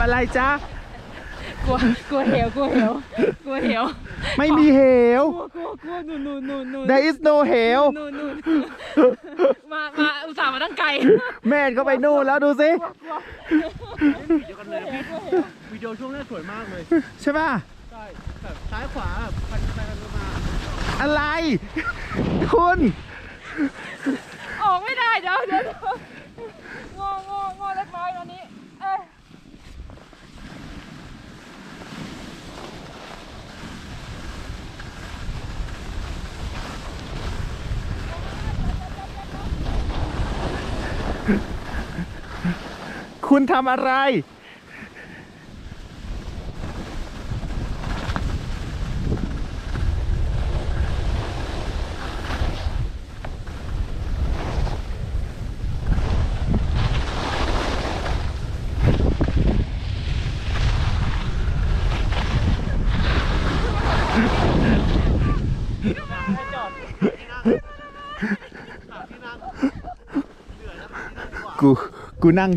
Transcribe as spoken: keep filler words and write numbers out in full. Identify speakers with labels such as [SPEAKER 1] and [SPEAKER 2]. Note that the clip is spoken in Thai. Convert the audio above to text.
[SPEAKER 1] อะไรจ๊ะ
[SPEAKER 2] กลัวกลัวเหวกลัวเหวกลัวเหว
[SPEAKER 1] ไม่มีเหว
[SPEAKER 2] กลัวกลัวกลัวนู่นนู่นนู่นนู่น
[SPEAKER 1] There is no เหว
[SPEAKER 2] นู่นนู่นมามาอุตส่าห์มาตั้งไกล
[SPEAKER 1] แม่ก็ไปนู่นแล้วดูสิ
[SPEAKER 3] เดียวกันเลยวิดีโอช่วงแรกสวยมากเลย
[SPEAKER 1] ใช่ป่ะ
[SPEAKER 3] ใช่แบบซ้ายขวาแบบพันไปพันมา
[SPEAKER 1] อะไร คุณ
[SPEAKER 2] ออกไม่ได้เดี๋ยวเดี๋ยวเดี๋ยวงององอเล็กน้อยตอนนี้เอ้ย
[SPEAKER 1] คุณทำอะไร
[SPEAKER 3] ให้จอดที่นั่งที่นั่งเหนื่อยแล้วที่นั่งดีกว่า
[SPEAKER 1] กู กูนั่ง